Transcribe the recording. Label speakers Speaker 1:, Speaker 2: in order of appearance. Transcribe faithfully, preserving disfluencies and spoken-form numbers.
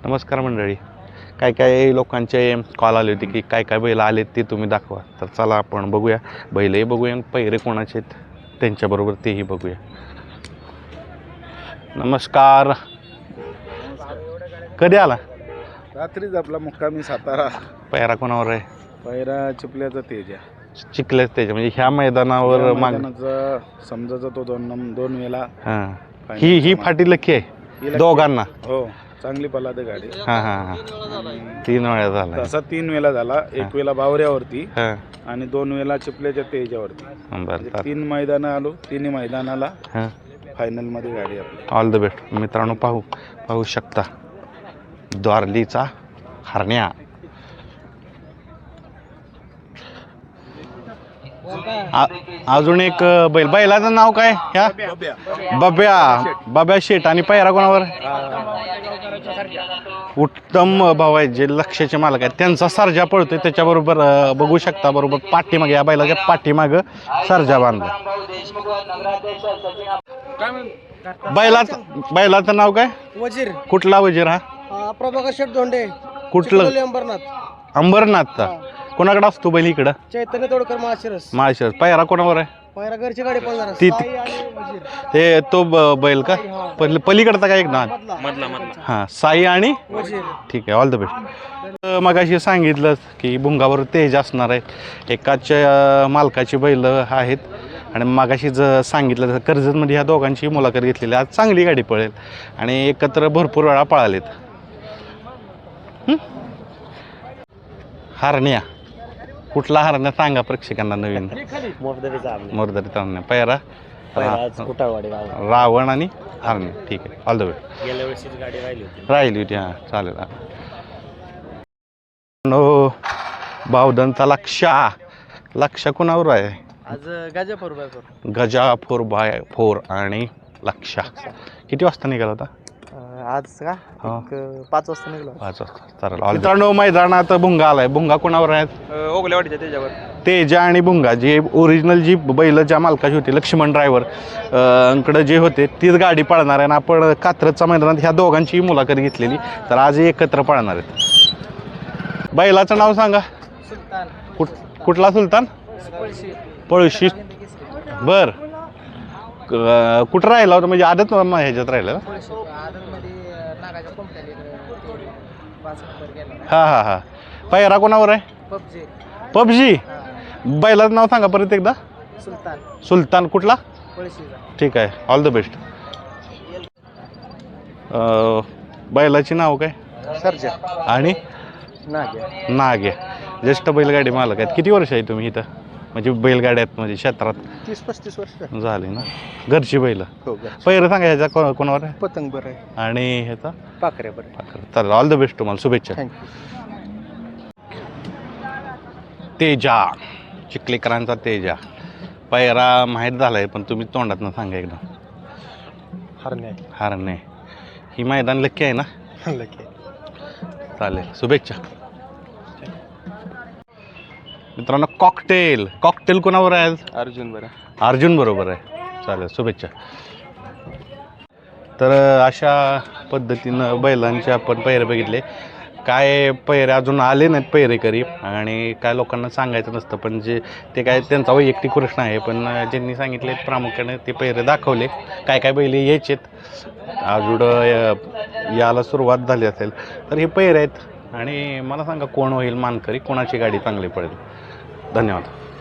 Speaker 1: नमस्कार मंडळी. काय काय लोकांचे कॉल आले होते की काय काय बैल आलेत ते तुम्ही दाखवा. तर चला आपण बघूया, बैलही बघूया आणि पैरे कोणाचे आहेत त्यांच्याबरोबर तेही बघूया. नमस्कार. कधी आला?
Speaker 2: रात्रीच आपला मुक्कामी सातारा.
Speaker 1: पैरा कोणावर आहे?
Speaker 2: पैरा चिपल्याचा तेजा.
Speaker 1: चिखल्याच त्याच्या म्हणजे ह्या मैदानावर माग
Speaker 2: समजायचा तो दोन नम दोन वेळा.
Speaker 1: हां, ही ही फाटी लकी आहे दोघांना.
Speaker 2: हो, चांगली पलाद गाडी.
Speaker 1: हां हां हां, तीन वेळा झाला
Speaker 2: तसा तीन वेळा झाला. एक वेळा बावऱ्यावरती
Speaker 1: हां
Speaker 2: आणि दोन वेळा चिपल्याच्या तेजावरती.
Speaker 1: बरं,
Speaker 2: तीन मैदानं आलो, तिन्ही मैदानाला
Speaker 1: हां
Speaker 2: फायनल मध्ये गाडी आपली.
Speaker 1: ऑल द बेस्ट मित्रांनो. पाहू पाहू शकता द्वारलीचा हरण्या. अजून एक बैल, बैलाचं नाव काय? ह्या बब्या. बब्या शेट. आणि पैरा कोणावर? उत्तम भाऊ आहेत जे लक्षाचे मालक आहेत, त्यांचा सर्जा पळतोय त्याच्याबरोबर. बघू शकता बरोबर पाठीमागे या बैलाच्या पाठीमाग सर्जा बांधला. बैलाचं बैलाचं नाव काय?
Speaker 3: वजीर.
Speaker 1: कुठला वजीर हा?
Speaker 3: प्रभाकर शेठ धोंडे.
Speaker 1: कुठलं?
Speaker 3: अंबरनाथ.
Speaker 1: अंबरनाथचा. कोणाकडे असतो बैल इकडं?
Speaker 3: चैतन्य तोडकर माळशिरस.
Speaker 1: माळशिरस. पैरा कोणावर आहे?
Speaker 3: पहिला घरची गाडी पळणार.
Speaker 1: ती
Speaker 3: साई आणि वजीर.
Speaker 1: ते तो ब- बैल का पली पलीकडचा काय एक ना?
Speaker 3: मधला मधला.
Speaker 1: हां, साई आणि
Speaker 3: वजीर.
Speaker 1: ठीक आहे, ऑल द बेस्ट. मगाशी सांगितलं की भुंगावर तेज असणार आहे. एकाच्या मालकाची बैल आहेत आणि मगाशी ज सांगितलं कर्जतमध्ये ह्या दोघांची मुलाखत घेतलेली. आज चांगली गाडी पळेल आणि एकत्र भरपूर वेळा पळालेत. हरण्या. कुठला हरण्या सांगा प्रेक्षकांना नवीन? मोरदरीचा हरण्या. पैरा रावण आणि हरण्या. ठीक आहे, ऑल द बेस्ट.
Speaker 3: गेल्या वर्षीच गाडी राहिली होती.
Speaker 1: राहिली होती. हां, चालेल. नो बावधनचा लक्षा. लक्षा कुणावर आहे?
Speaker 3: आज Gaja four by four.
Speaker 1: Gaja four by four आणि लक्षा. किती वाजता निघाला होता?
Speaker 3: आज का पाच वाजता निघलो.
Speaker 1: पाच वाजता. चालेल. मित्रांनो मैदानात भुंगा आलाय. भुंगा कुणावर आहेत?
Speaker 3: ओगलेवाडीच्या त्याच्यावर.
Speaker 1: तेजा आणि भुंगा. जे ओरिजिनल जी बैल ज्या मालकाची होती लक्ष्मण ड्रायव्हर कडे जे होते तीच गाडी पळणार आहे आणि आपण कात्रजच्या मैदानात ह्या दोघांची मुलाखत घेतलेली. तर आज एकत्र पळणार आहेत. बैलाचं नाव सांगा.
Speaker 3: सुलतान.
Speaker 1: कुठ कुठला सुलतान? पळशी. बर, कुठं राहिला होता म्हणजे आदत ह्याच्यात राहिला? हां हां हां. पैरा कोणावर आहे?
Speaker 3: पबजी.
Speaker 1: पबजी. बैलाचं नाव सांगा परत एकदा.
Speaker 3: सुलतान.
Speaker 1: सुलतान. कुठला?
Speaker 3: पळशीचा.
Speaker 1: ठीक आहे, ऑल द बेस्ट. बैलाची नाव काय?
Speaker 3: सर्जा
Speaker 1: आणि
Speaker 3: नाग्या.
Speaker 1: नाग्या. ज्येष्ठ बैलगाडी मालक आहेत. किती वर्ष आहे तुम्ही इथं म्हणजे बैलगाड्यात म्हणजे क्षेत्रात?
Speaker 3: तीस पस्तीस वर्ष
Speaker 1: झाले ना. घरची बैल.
Speaker 3: हो.
Speaker 1: पहिलं सांगा ह्याचा को कोणावर आहे?
Speaker 3: पतंग बरं आहे.
Speaker 1: आणि ह्याचा?
Speaker 3: पाखऱ्या बरं आहे.
Speaker 1: चालेल, ऑल द बेस्ट तुम्हाला. शुभेच्छा.
Speaker 3: थँक्यू.
Speaker 1: तेजा. चिखलेकरांचा तेजा. पैरा माहीत झालाय पण तुम्ही तोंडात ना सांगा एकदा.
Speaker 3: हरणे.
Speaker 1: हरणे. ही मैदान लक्की आहे ना?
Speaker 3: लकी.
Speaker 1: चालेल, शुभेच्छा. मित्रांनो कॉकटेल. कॉकटेल कोणावर आहे?
Speaker 3: अर्जुन बरं.
Speaker 1: अर्जुन बरोबर आहे. चालेल, शुभेच्छा. तर अशा पद्धतीनं बैलांचे आपण पैरे बघितले. काय पैरे अजून आले नाहीत पैरेकरी आणि काय लोकांना सांगायचं नसतं पण जे ते काय त्यांचा वैयक्तिक प्रश्न आहे. पण ज्यांनी सांगितले प्रामुख्याने ते पैरे दाखवले. काय काय बैले यायचेत अजून याला सुरुवात झाली असेल तर हे पैरे आहेत. आणि मला सांगा कोण होईल मानकरी, कोणाची गाडी चांगली पडेल. धन्यवाद.